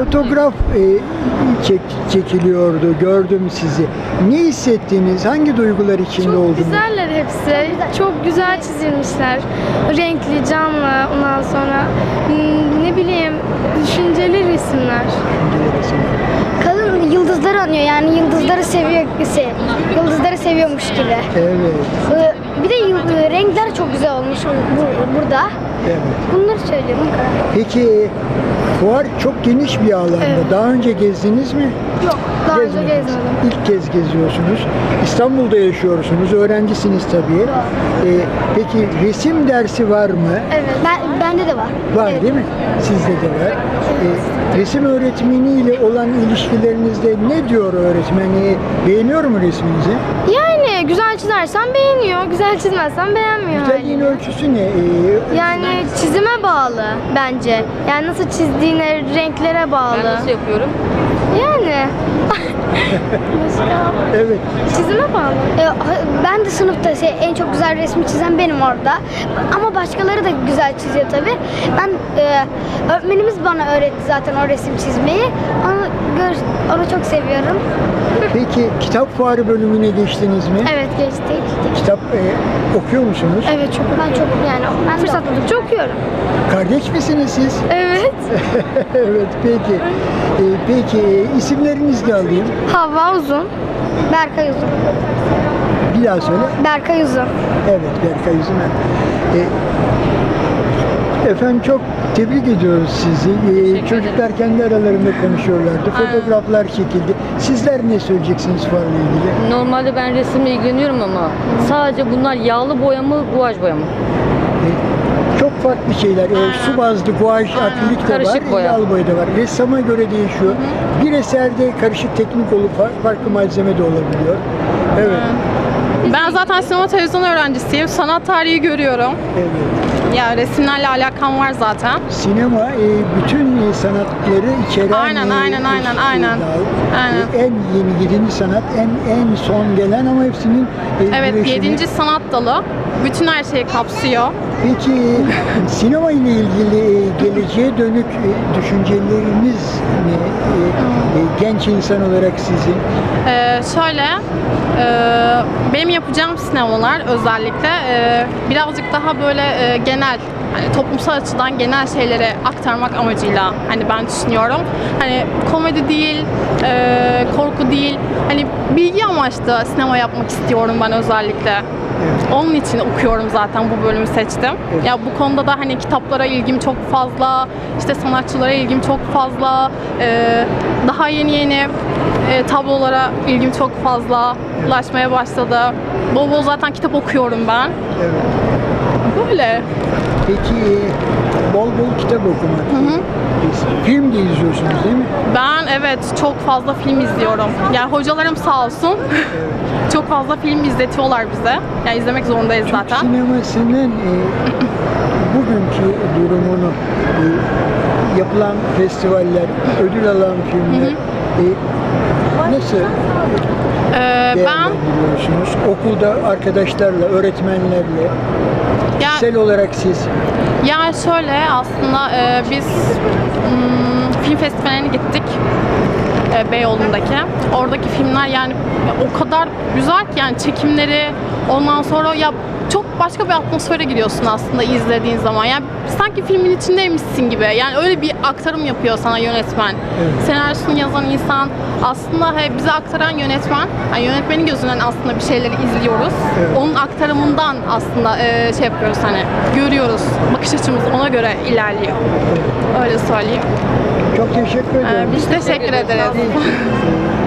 fotoğraf çekiliyordu. Gördüm sizi. Ne hissettiniz? Hangi duygular içinde Çok oldunuz? güzeller hepsi. Çok güzel çizilmişler. Renkli, canlı, ondan sonra ne bileyim düşünceli resimler. Kadın yıldızları anıyor, yani yıldızları yıldızları seviyormuş gibi. Evet. Bir de renkler çok güzel olmuş burada. Evet. Bunları söylüyorum. Peki fuar çok geniş bir alanda. Evet. Daha önce gezdiniz mi? Yok, daha önce Gezmediniz. gezmedim. İlk kez geziyorsunuz. İstanbul'da yaşıyorsunuz. Öğrencisiniz tabii. Peki resim dersi var mı? Evet. Bende de var. Var Evet. değil mi? Sizde de var. Resim öğretmeniyle olan ilişkilerinizde ne diyor öğretmeni? Beğeniyor mu resminizi? Yani güzel çizersen beğeniyor, güzel çizmezsen beğenmiyor. Güzelliğin haliyle. ölçüsü ne? Yani çizime bağlı bence. Yani nasıl çizdiğine, renklere bağlı. Ben nasıl yapıyorum? Yani. Mesela Evet. çizime bağlı. Ben de sınıfta en çok güzel resmi çizen benim orada. Ama başkaları da güzel çiziyor tabii. Öğretmenimiz bana öğretti zaten o resim çizmeyi. Onu çok seviyorum. Peki kitap fuarı bölümüne geçtiniz mi? Evet, geçtik. Kitap okuyor musunuz? Evet, çok yani fırsat buldukça okuyorum. Kardeş misiniz siz? Evet. Evet, peki. Peki isimlerinizi de alayım. Havva Uzun. Berkay Uzun. Bir daha söyle. Berkay Uzun. Evet, Berkay Üzümen. Efendim çok tebrik ediyoruz sizi. Çocuklar kendi aralarında konuşuyorlardı. Fotoğraflar çekildi. Sizler ne söyleyeceksiniz fuarla ilgili? Normalde ben resimle ilgileniyorum ama sadece bunlar yağlı boya mı, guaj boya mı? Çok farklı şeyler. Su bazlı guaj, akrilik de Karışık var, boya. yağlı boya da var. Ressama göre değişiyor. Bir eserde karışık teknik olup farklı malzeme de olabiliyor. Evet. Ben zaten sinema televizyon öğrencisiyim. Sanat tarihi görüyorum. Evet. Ya resimlerle alakam var zaten. Sinema bütün sanatları içeren Aynen. en yeni 7. sanat, en son gelen ama hepsinin Evet, birleşimi. 7. sanat dalı. Bütün her şeyi kapsıyor. Peki sinema ile ilgili geleceğe dönük düşünceleriniz ne? Genç insan olarak sizin? Benim yapacağım sinemalar özellikle birazcık daha böyle genel, hani toplumsal açıdan genel şeyleri aktarmak amacıyla hani ben düşünüyorum. Hani komedi değil, korku değil, hani bilgi amaçlı sinema yapmak istiyorum ben özellikle. Evet. Onun için okuyorum zaten, bu bölümü seçtim. Evet. Ya bu konuda da hani kitaplara ilgim çok fazla, işte sanatçılara ilgim çok fazla, daha yeni tablolara ilgim çok fazla ulaşmaya başladı. Bol bol zaten kitap okuyorum ben. Evet. Böyle. Peki bol bol kitap okumak. Film de izliyorsunuz değil mi? Ben evet çok fazla film izliyorum. Yani hocalarım sağ olsun. Çok fazla film izletiyorlar bize. Yani izlemek zorundayız Türk zaten. sinemasının bugünkü durumunu, yapılan festivaller, ödül alan filmler nasıl Ben değerlendiriyorsunuz? Okulda arkadaşlarla, öğretmenlerle, kişisel olarak siz? yani şöyle aslında biz film festivaline gittik. Beyoğlu'ndaki. Oradaki filmler yani o kadar güzel ki yani çekimleri, ondan sonra ya çok başka bir atmosfere giriyorsun aslında izlediğin zaman. Yani sanki filmin içindeymişsin gibi. Yani öyle bir aktarım yapıyor sana yönetmen. Evet. Senaryosunu yazan insan, aslında bize aktaran yönetmen. Yani yönetmenin gözünden aslında bir şeyleri izliyoruz. Evet. Onun aktarımından aslında şey yapıyoruz, hani görüyoruz. Bakış açımız ona göre ilerliyor. Öyle söyleyeyim. Çok teşekkür ederim. Biz teşekkür ederiz.